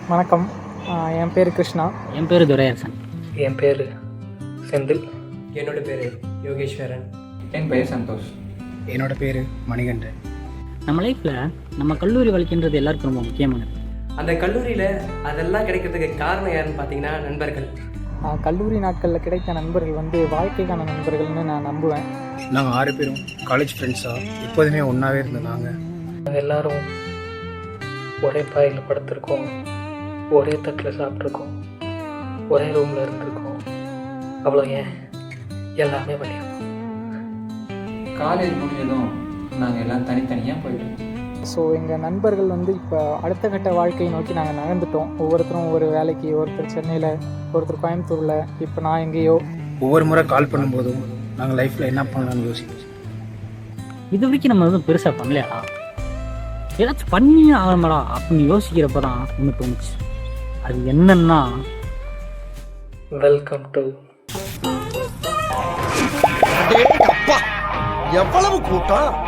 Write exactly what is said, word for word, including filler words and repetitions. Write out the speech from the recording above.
வணக்கம். என் பேர் கிருஷ்ணா. என் பேர் துரையரசன். என் பேர் செந்தில். என்னோட பேர் யோகேஸ்வரன். என் பெயர் சந்தோஷ். என்னோட பேர் மணிகண்டன். நம்ம லைஃப்பில் நம்ம கல்லூரி வாழ்க்கைன்றது எல்லாருக்கும் ரொம்ப முக்கியமானது. அந்த கல்லூரியில் அதெல்லாம் கிடைக்கிறதுக்கு காரணம் யாருன்னு பார்த்தீங்கன்னா நண்பர்கள். கல்லூரி நாட்களில் கிடைத்த நண்பர்கள் வந்து வாழ்க்கைக்கான நண்பர்கள்னு நான் நம்புவேன். நாங்கள் ஆறு பேரும் காலேஜ் ஃப்ரெண்ட்ஸாக எப்போதுமே ஒன்றாவே இருந்தாங்க. நாங்கள் எல்லோரும் ஒரே பாயில் படுத்திருக்கோம், ஒரே தட்டில் சாப்பிட்ருக்கோம், ஒரே ரூமில் இருந்திருக்கோம். அவ்வளோ ஏன் எல்லாமே பண்ணியிருக்கோம். காலேஜ் முடிஞ்சதும் நாங்கள் எல்லாம் தனித்தனியாக போயிட்டோம். ஸோ எங்கள் நண்பர்கள் வந்து இப்போ அடுத்த கட்ட வாழ்க்கையை நோக்கி நாங்கள் நகர்ந்துட்டோம். ஒவ்வொருத்தரும் ஒவ்வொரு வேலைக்கு, ஒருத்தர் சென்னையில், ஒருத்தர் கோயம்புத்தூரில், இப்போ நான் எங்கேயோ. ஒவ்வொரு முறை கால் பண்ணும்போதும் நாங்கள் லைஃப்பில் என்ன பண்ணலாம்னு யோசிப்போம். இது வரைக்கும் நம்ம எதுவும் பெருசாக பண்ணலையா, ஏதாச்சும் பண்ணி ஆகணுமாடா அப்படின்னு யோசிக்கிறப்ப தான் ஒன்று தோணுச்சு. அது என்னன்னா, வெல்கம் டு எவ்வளவு கூட்டம்.